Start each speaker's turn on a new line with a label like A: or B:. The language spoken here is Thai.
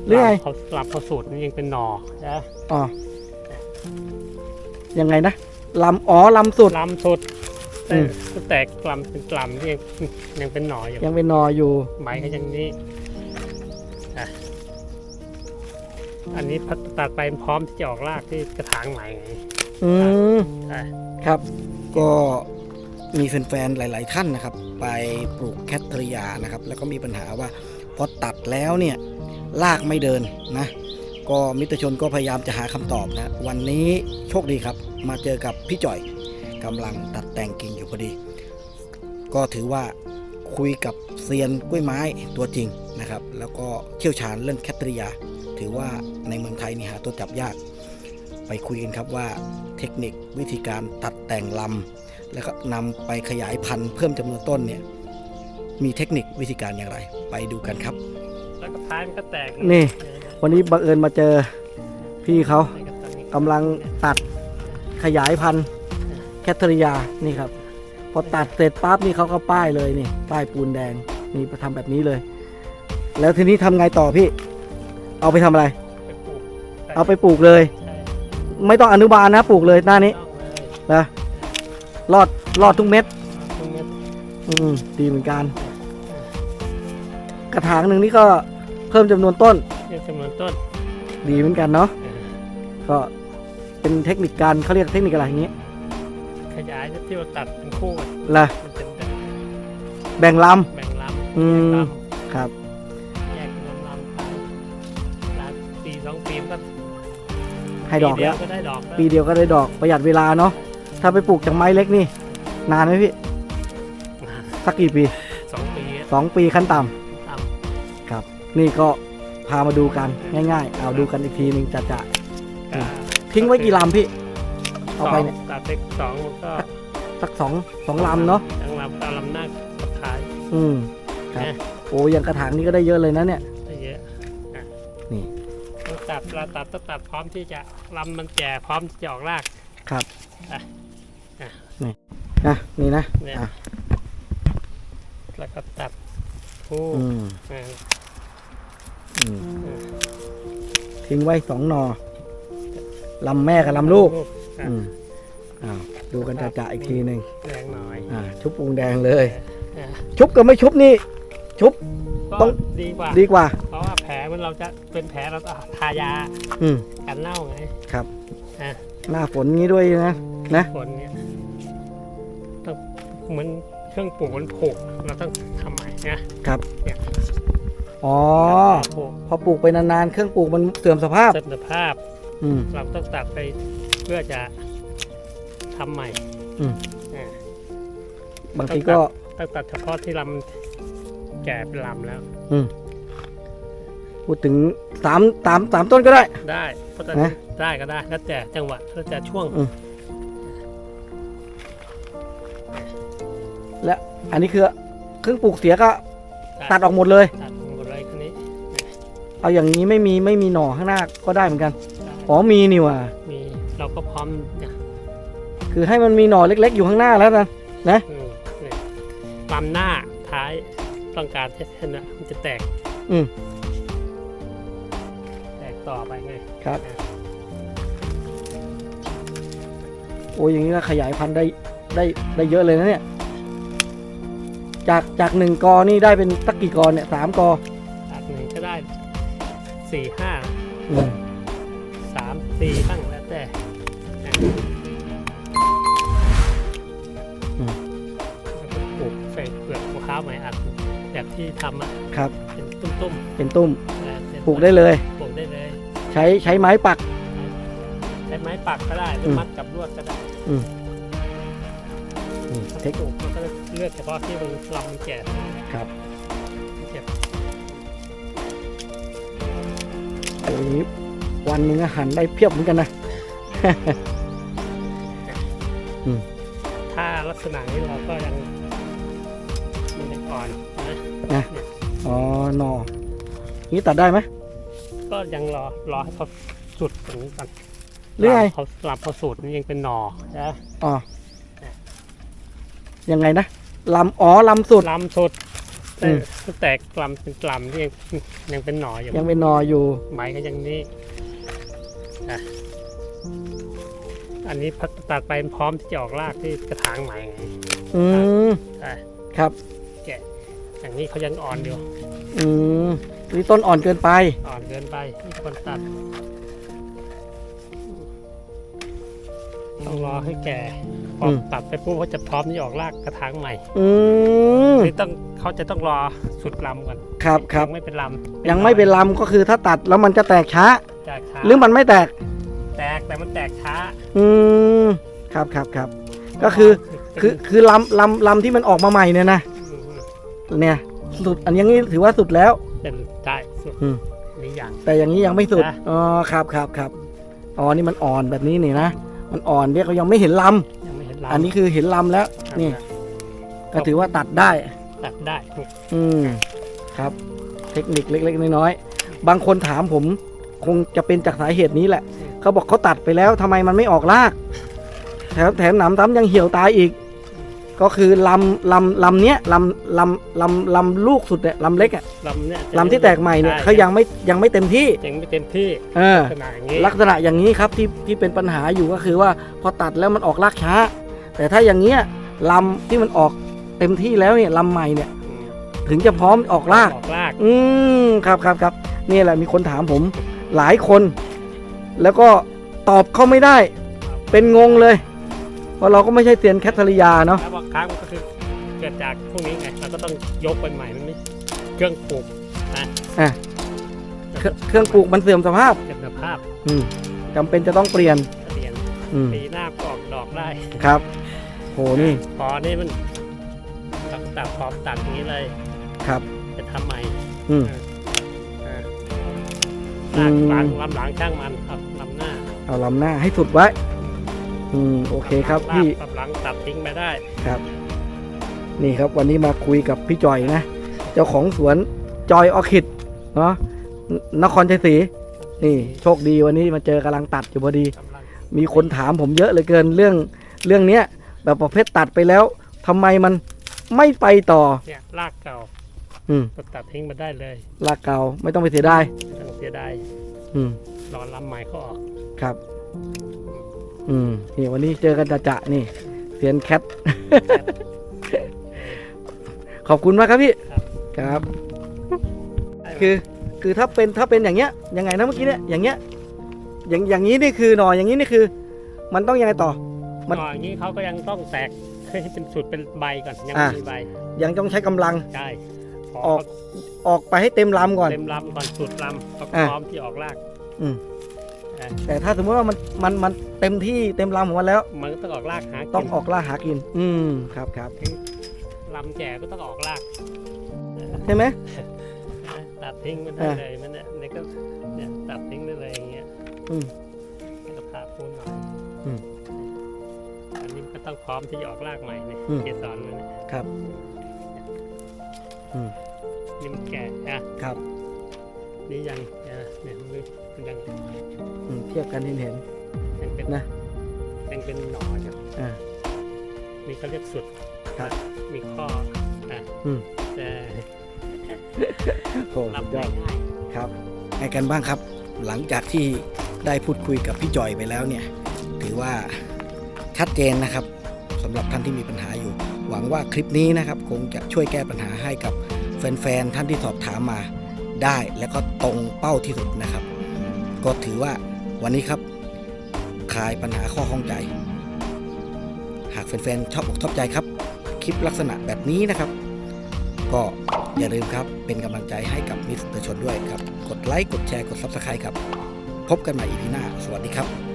A: หรือไง
B: เขาลำเขาสูตรนี่ยังเป็นหน่อนะ
A: อ๋อยังไงนะลำลำสุด
B: ลำสุดก็แตกลำเป็นลำที่ยังเป็นหน่ออยู่
A: ยังเป็นหน่ออยู่
B: ใบก็ยังนี้อันนี้ตัดไปพร้อมที่จะออกรากที่กระถางใหม่ไง
A: ครับก็มีแฟนๆหลายๆท่านนะครับไปปลูกแคทริยานะครับแล้วก็มีปัญหาว่าพอตัดแล้วเนี่ยรากไม่เดินนะก็มิตรชนก็พยายามจะหาคำตอบนะวันนี้โชคดีครับมาเจอกับพี่จ่อยกำลังตัดแต่งกิ่งอยู่พอดีก็ถือว่าคุยกับเซียนกล้วยไม้ตัวจริงนะครับแล้วก็เชี่ยวชาญเรื่องแคทริยาถือว่าในเมืองไทยนี่หาตัวจับยากไปคุยกันครับว่าเทคนิควิธีการตัดแต่งลำแล้วก็นำไปขยายพันธุ์เพิ่มจำนวนต้นเนี่ยมีเทคนิควิธีการอย่างไรไปดูกันครับ
B: แล้วก็ท้ายมันก็แตก
A: นี่วันนี้บังเอิญมาเจอพี่เขากำลังตัดขยายพันธุ์แคทริยานี่ครับพอตัดเสร็จปั๊บนี่เขาก็ป้ายเลยนี่ป้ายปูนแดงนี่ทำแบบนี้เลยแล้วทีนี้ทำไงต่อพี่เอาไปทำอะไรเอาไปปลูกเลยไม่ต้องอนุบาลนะปลูกเลยหน้านี้นะรอดทุกเม็ดดีเหมือนกันกระถางหนึ่งนี่ก็เพิ่มจำนวนต้นดีเหมือนกันเนาะก็เป็นเทคนิคการเขาเรียกเทคนิคอะไรอย่างนี้
B: ขยายที่เราตัดเป็นคู่
A: ล่ะแบ่งลำครับ
B: แยกลำปี2 ปีก็
A: ให้ดอกแล้วปีเดียวก็ได้ดอกประหยัดเวลาเนาะถ้าไปปลูกจากไม้เล็กนี่นานไหมพี่สักกี่ปี2 ปีขั้นต่ำครับนี่ก็พามาดูกันง่ายๆเอาดูกันอีกทีนึงจะทิ้งไว้กี่ลำพี่เอาไปเนี่ย
B: ตัดเล็ก2ก็
A: สักสองลำเนาะ
B: ลำหน้าท้าย
A: ครับโอ้ยังกระถางนี้ก็ได้เยอะเลยนะเนี่ย
B: ได้เยอะ
A: นี่
B: ตัดพร้อมที่จะลำมันแก่พร้อมที่จะออกราก
A: ครับนี่นี่นะ
B: แล้วก็ตัดคู่
A: ทิ้งไว้2 หน่อลำแม่กับลำลูกดูกันจ่าอีกทีหนึ่ง
B: แดงหน่อย
A: ชุบปูนแดงเลยชุบกับไม่ชุบนี่ชุบ
B: ต้องดีกว่าเพราะว่าแผลมันเราจะเป็นแผลเราทายากันเน่าไง
A: ครับหน้าฝนงี้ด้วยนะ
B: ฝนเนี่ยต้องเหมือนเครื่องปลูกมันผุเราต้องทำใหม่
A: นะครับอ๋อพอปลูกไปนานๆเครื่องปลูกมันเสื่อมสภาพเราต้อง
B: ตัดไปเพื่อจะทำใหม่
A: บางทีก็
B: ต้องตัดเฉพาะที่ลำแก่เป็นลำแล้ว
A: พูดถึง3 ต้นก็ได้
B: เพราะได้ก็ได้แล้วแต่จังหวะแล้วแต่ช่วง
A: และอันนี้คือเครื่องปลูกเสียก็ตัดออกหมดเลย
B: คันนี้
A: เอาอย่างนี้ไม่มีหน่อข้างหน้าก็ได้เหมือนกันอ๋อมีนี่ว่ะ
B: มีเราก็พร้อม
A: คือให้มันมีหน่อเล็กๆอยู่ข้างหน้าแล้วนะ
B: ลำหน้าท้ายต้องการให้มันจะแตกต่อไปไง
A: ครับโอ้อย่างนี้ก็ขยายพันธุ์ได้เยอะเลยนะเนี่ยจาก1 กอนี่ได้เป็นสักกี่กอเนี่ย3 กอ
B: จาก1ก็ได้4-5 3-4บ้างแล้วแต่ปลูกใส่เปลือกมะพร้าวใหม่อัดแบบที่ทำ
A: ครับ
B: เป็นตุ้ม
A: ปลูกได้เลยใช้ไม้ปัก
B: ก็ได้หรือมัดกับลวดก็ได้เทคนิคมันก็เลือกเฉพาะที่มันลำมันแก่
A: ครับโอ้ยวันนึงอาหารได้เพียบเหมือนกันนะ
B: ถ้าลักษณะนี้เราก็ยังอ่อน
A: นะอ๋อหน่อนี้ตัดได้ไหม
B: ก็ยังรอให้เขาสุดตรงนี้ก่อน
A: เรื่อย
B: เขาสูตรนี่ยังเป็นหน่อนะ
A: ยังไงนะลำสุด
B: แต่แตกกลำเป็นกลำที่ยังเป็นหน่ออยู่
A: ยังเป็นหนออยู่
B: ใบก็ยังนี่อันนี้พัดตัดไปพร้อมที่จะออกรากที่กระถางใหม่ไง
A: อืม
B: อ่ะ
A: ครับ
B: แกะอย่างนี้เขายังอ่อนอยู่
A: อืมนี่ต้นอ่อนเกินไป
B: อ่อนเกินไปนี่คนตัดต้องรอให้แก่พอตัดไปปุ๊บเขาจะพร้อมที่ออกรากกระถางใหม่
A: อืม
B: นี่เขาจะต้องรอสุดลำก่อน
A: ครับครับ
B: ยังไม่เป็นลำ
A: ยังไม่เป็นลำก็คือถ้าตัดแล้วมันจะแตกช้า
B: แตกช้า
A: หรือมันไม่แตก
B: แตกแต่มันแตกช้า
A: อืมครับครับครับก็คือลำที่มันออกมาใหม่เนี่ยนะเนี่ยสุดอันนี้ถือว่าสุดแล้ว
B: เป็นได้สุด
A: อืม
B: นี่อย่าง
A: แต่อย่างนี้ยังไม่สุด
B: นะ
A: อ๋อครับครับครับอ๋อนี่มันอ่อนแบบนี้นี่นะมันอ่อนเรียกเขายังไม่เห็นล
B: ยังไม่เห็น
A: ำ
B: ลำ
A: อันนี้คือเห็นลำแล้วนี่ก็ถือว่าตัดได้
B: ตัดได้
A: อืมครับ เทคนิคเล็กๆน้อยๆบางคนถามผมคงจะเป็นจากสาเหตุนี้แหละเขาบอกเขาตัดไปแล้วทำไมมันไม่ออกรากแถมหนำซ้ำยังเหี่ยวตายอีก ก็คือลำเนี้ยลำลูกสุดเนี่ยลำเล็กอะ
B: ลำเนี่ย
A: ลำที่แตกใหม่เนี่ยเขายังไม่เต็มที่
B: ยังไม่เต็มที่
A: เออ
B: ขนาดอย่างนี้
A: ลักษณะอย่างนี้ครับที่เป็นปัญหาอยู่ก็คือว่าพอตัดแล้วมันออกรากช้า แต่ถ้าอย่างเงี้ยลำที่มันออกเต็มที่แล้วเนี่ยลำใหม่เนี่ยถึงจะพร้อมออกราก
B: ออกราก
A: ครับนี่แหละมีคนถามผมหลายคน แล้วก็ตอบเขาไม่ได้ เป็นงงเลยเพราะเราก็ไม่ใช่เซียนแคทเธอรียาเนาะ
B: แล้วบางครั้งมันก็คือเกิดจากพวกนี้ไงเราก็ต้องยกไปใหม่มันไม่เครื่องปลูกนะ
A: เครื่องปลูกมันเสื่อมสภาพ
B: เก็บสภาพ
A: จำเป็นจะต้องเปลี่ยน
B: เปลี่ยน
A: อืม
B: ปีหน้าก็ออกดอกได้
A: ครับโหนี่
B: พอนี่มันตัดพร้อมตัดอย่างนี้เลย
A: ครับ
B: จะทำใหม่
A: อืม
B: ลาก
A: อืม
B: หลังลำหลังช่างมันครับลำหน้า
A: เอาลำหน้าให้สุดไว้โอเคครับพี่
B: ลำหลังตัดทิ้งไปได้
A: ครับ นี่ครับวันนี้มาคุยกับพี่จอยนะ เจ้าของสวนจอยออคิดเนาะนครชัยศรีนี่โชคดีวันนี้มาเจอกำลังตัดอยู่พอดี
B: กำลัง
A: มีคนถามผมเยอะเหลือเกินเรื่องเนี้ยแบบประเภทตัดไปแล้วทำไมมันไม่ไปต่อ
B: เนี่ยรากเก่า
A: อืม
B: ก็ตัดทิ้งมาได้เลย
A: ลากเก่าไม่ต้องไปเสียดาย
B: ไม่ต้องเสียดาย
A: อืม
B: รอลำใหม่เขาออก
A: ครับ นี่วันนี้เจอกันจะนี่เซียนแคท ขอบคุณมากครับพี่ครับ คือถ้าเป็นอย่างเงี้ยยังไงนะเมื่อกี้เนี่ยอย่างเงี้ยอย่างนี้นี่คือหน่ออย่างนี้นี่คือ มันต้องยังไงต่อ มัน
B: หน่ออย่างนี้เขาก็ยังต้องแตกให้เป็นสุดเป็นใบก่อนยัง
A: อ่ะ
B: ไม่มีใบ
A: ยังต้องใช้กำลัง
B: ใช่พ
A: ออกไปให้เต็มลำก่อน
B: เต็มลำก่อนสุดลำก็
A: อ่ะ
B: พร้อมที่ออกราก
A: อืม
B: อ่ะ
A: แต่ถ้าสมมติว่ามันเต็มที่เต็มลำของมันแล้ว
B: มันก็ต้องออกรากหา
A: ต้อง
B: กิน
A: ออกล่าหากิน ครับ
B: ลำแก่ก็ต้องออกราก
A: ใช่ไหม
B: ตัดทิ้งมันได้เลยมันเนี่ยก็เนี่ยตัดทิ้งได้เลยอย่างเงี้ย
A: อืม
B: แล้วก็ผ่าปูนหน่อย
A: อืม
B: อันนี้ก็ต้องพร้อมที่จะออกรากใหม่เนี่ย
A: อืม
B: เกสรมันเนี่ย
A: ครับ อืม
B: นี่มันแก่อะ
A: ครับ
B: นี่ยังเนี่ยมันยัง
A: เทียบกันเห็น
B: ยังเป็น
A: นะ
B: ยังเป็นหนออยู่
A: อ่า
B: นี่เขาเรียกสุด
A: ครับ
B: มีข้ออ่ะ
A: อืม
B: แต่
A: โอ้สุ
B: รับ
A: ดยอด
B: ง่าย
A: ครับไงกันบ้างครับ หลังจากที่ได้พูดคุยกับพี่จอยไปแล้วเนี่ย ถือว่าชัดเจนนะครับสำหรับท่านที่มีปัญหาอยู่ หวังว่าคลิปนี้นะครับคงจะช่วยแก้ปัญหาให้กับแฟนๆท่านที่สอบถามมาได้ และก็ตรงเป้าที่สุดนะครับ ก็ถือว่าวันนี้ครับคลายปัญหาข้อข้องใจ หากแฟนๆชอบอกชอบใจครับ คลิปลักษณะแบบนี้นะครับ ก็อย่าลืมครับเป็นกำลังใจให้กับมิสเตอร์ชนด้วยครับ กดไลค์กดแชร์กด Subscribe ครับ พบกันใหม่ EP หน้าสวัสดีครับ